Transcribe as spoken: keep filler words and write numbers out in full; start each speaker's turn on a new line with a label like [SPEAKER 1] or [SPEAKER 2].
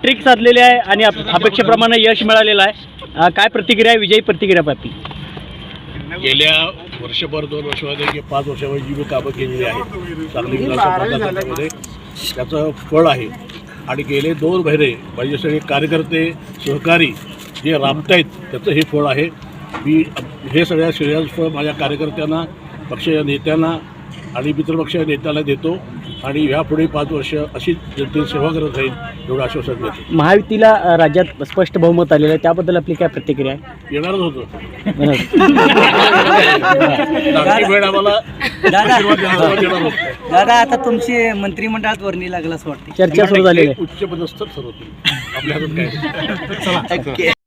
[SPEAKER 1] Hat trick साधलेली आहे आणि अपेक्षेप्रमाणे यश मिळालेलं आहे. काय प्रतिक्रिया, विजयी प्रतिक्रिया प्राप्ती?
[SPEAKER 2] गेल्या वर्षभर दोन वर्षामध्ये किंवा पाच वर्षामध्ये जी मी कामं केलेली आहेत सांगली विधानसभा मतदारसंघामध्ये त्याचं फळ आहे. आणि गेले दोन महिने माझे सगळे कार्यकर्ते सहकारी जे राबतायत त्याचं हे फळ आहे. मी हे सगळ्या श्रेयांचं फळ माझ्या कार्यकर्त्यांना, पक्षीय नेत्यांना आणि मित्रपक्षीय नेत्याला देतो आणि यापुढे पाच वर्ष अशी जनतेची सेवा करत राहील एवढं आश्वासन देतो.
[SPEAKER 1] महायुतीला राज्यात स्पष्ट बहुमत आलेलं आहे, त्याबद्दल आपली काय प्रतिक्रिया आहे?
[SPEAKER 2] येणारच होतं.
[SPEAKER 3] दादा, आता तुमची मंत्रिमंडळात वर्णी लागला असं वाटतं.
[SPEAKER 1] चर्चा सुरू झालेली आहे.
[SPEAKER 2] उच्च पदस्थ ठरवतो आपल्या हातात काय.